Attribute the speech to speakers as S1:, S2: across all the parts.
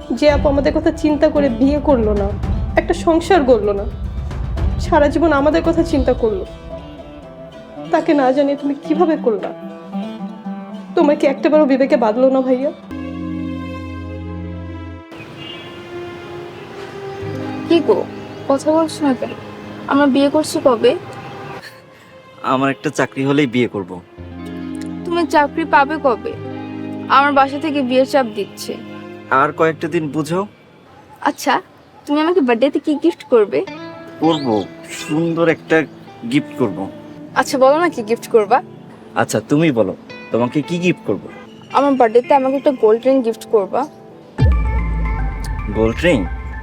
S1: যে আপু আমাদের কথা চিন্তা করে বিয়ে করলো না, একটা সংসার গড়লো না, সারা জীবন আমাদের কথা চিন্তা করলো, তাকে না জানিয়ে তুমি কিভাবে করলা? তোমার কি একটাবারও বিবেকে বাঁধলো না ভাইয়া?
S2: কি গো, কথা বলছো না কেন? আমরা বিয়ে করছি কবে?
S3: আমার একটা চাকরি হলেই বিয়ে করব।
S2: তুমি চাকরি পাবে কবে? আমার বাসা থেকে বিয়ের চাপ দিচ্ছে।
S3: আর কয়েকটা দিন বুঝো।
S2: আচ্ছা, তুমি আমাকে বার্থডেতে কি গিফট করবে?
S3: করব, সুন্দর একটা গিফট করব।
S2: আচ্ছা বলো না, কি গিফট করবা?
S3: আচ্ছা তুমি বলো, তোমাকে কি গিফট করব?
S2: আমার বার্থডেতে আমাকে একটা গোল্ড রিং গিফট করবা।
S3: Gold ring?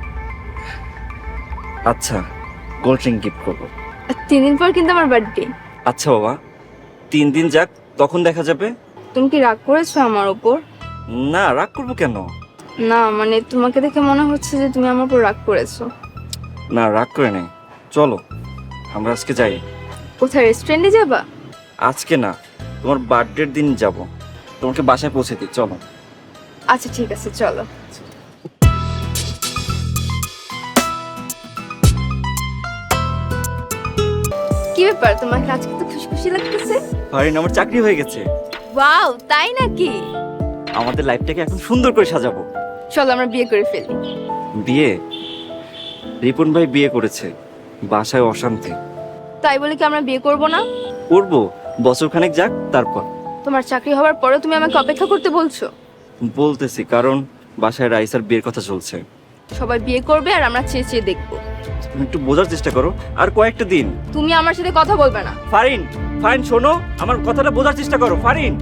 S3: আচ্ছা, গোল্ড রিং গিফট করব।
S2: আর 3 দিন পর কিন্তু আমার বার্থডে।
S3: আচ্ছা বাবা, 3 দিন যাক, তখন দেখা যাবে।
S2: তুমি কি রাগ করেছো আমার উপর?
S3: না, রাগ করবো কেন?
S2: না মানে তোমাকে দেখে মনে হচ্ছে যে তুমি আমার উপর রাগ করেছো।
S3: না, রাগ করে নেই। চলো আমরা আজকে যাই।
S2: কোথায়, রেস্টুরেন্টে যাবা?
S3: আজকে না, তোমার বার্থডের দিন যাব। তোমাকে বাসায় পৌঁছে দিই, চলো।
S2: আচ্ছা ঠিক আছে, চলো। কি ব্যাপার, তোমাকে আজকে তো খুশি খুশি লাগতেছে?
S3: ফারিন, আমার চাকরি হয়ে গেছে।
S2: ওয়াও, তাই নাকি?
S3: আমাদের লাইফটাকে এখন সুন্দর করে সাজাবো।
S2: চলো আমরা বিয়ে করে ফেলি।
S3: বিয়ে? রিপন ভাই বিয়ে করেছে, বাসায় অশান্তি।
S2: তাই বলে কি আমরা বিয়ে করব না?
S3: করবো, বছরখানেক যাক তারপর।
S2: তোমার চাকরি হওয়ার পরেও তুমি আমাকে অপেক্ষা করতে বলছো?
S3: বলতেছি কারণ বাসায় রাইসার বিয়ের কথা চলছে।
S2: সবাই বিয়ে করবে আর আমরা চেয়ে চেয়ে দেখবো।
S3: তুমি একটু বোঝার চেষ্টা করো, আর কয়েকটা দিন।
S2: তুমি আমার সাথে কথা বলবে না।
S3: ফারিন, ফারিন শোনো, আমার কথাটা বোঝার চেষ্টা করো ফারিন।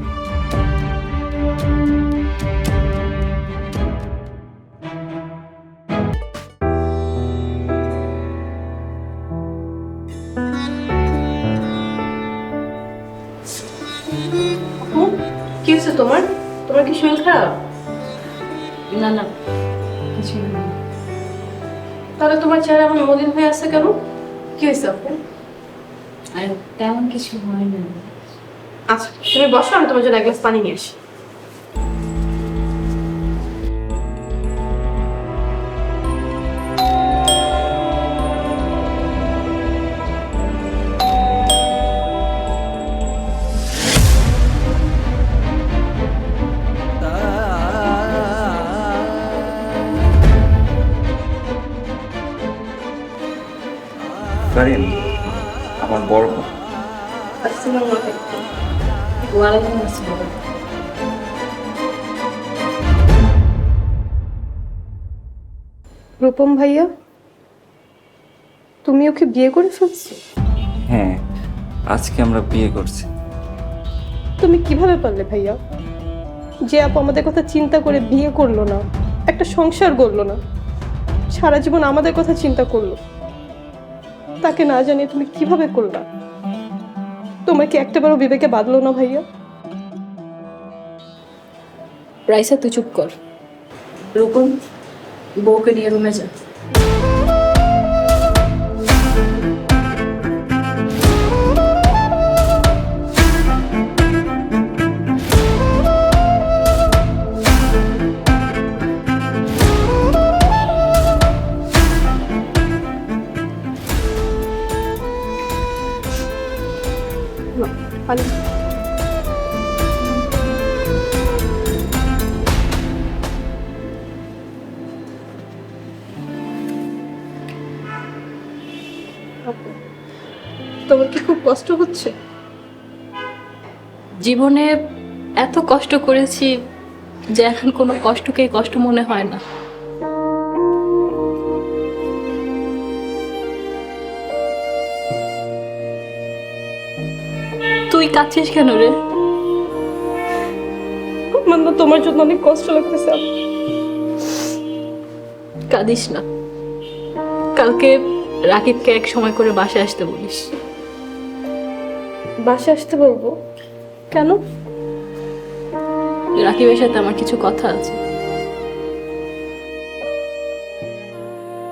S1: আপু, কি হয়েছে তোমার? তোমার কি শরীর খারাপ?
S4: না না, কিছু না।
S1: তাহলে তোমার চেহারা এখন মলিন হয়ে আছে কেন? কি হয়েছে আপু?
S4: আর তেমন কিছু হয় না।
S1: আচ্ছা তুমি বসো, আমি তোমার জন্য এক গ্লাস পানি নিয়ে আসি।
S3: ফারিন, আমার বড় বোন।
S1: আসসালামু আলাইকুম।
S4: ওয়ালাইকুম আসসালাম।
S1: রূপম ভাইয়া, তুমি ওকে বিয়ে করে ফেলছো?
S3: হ্যাঁ, আজকে আমরা বিয়ে করছি।
S1: তুমি কিভাবে পারলে ভাইয়া? যে আপু আমাদের কথা চিন্তা করে বিয়ে করলো না, একটা সংসার গড়লো না, সারা জীবন আমাদের কথা চিন্তা করলো, তাকে না জানিয়ে তুমি কিভাবে করলা? তোমার কি একটাবারও বিবেকে বাঁধলো না ভাইয়া?
S4: রাইসা তুই চুপ কর। রূপন, বউকে নিয়ে রুমে যা।
S1: পানি। আপু, তোমার কি খুব কষ্ট হচ্ছে?
S4: জীবনে এত কষ্ট করেছি যে এখন কোনো কষ্টকে কষ্ট মনে হয় না। তুই কাঁদছিস কেন রে?
S1: আমার না তোমার জন্য অনেক কষ্ট লাগতেছে আপু।
S4: কাঁদিস না। কালকে রাকিবকে এক সময় করে বাসায় আসতে বলিস।
S1: বাসে আসতে বলবো? কেন?
S4: রাকিবের সাথে আমার কিছু কথা আছে।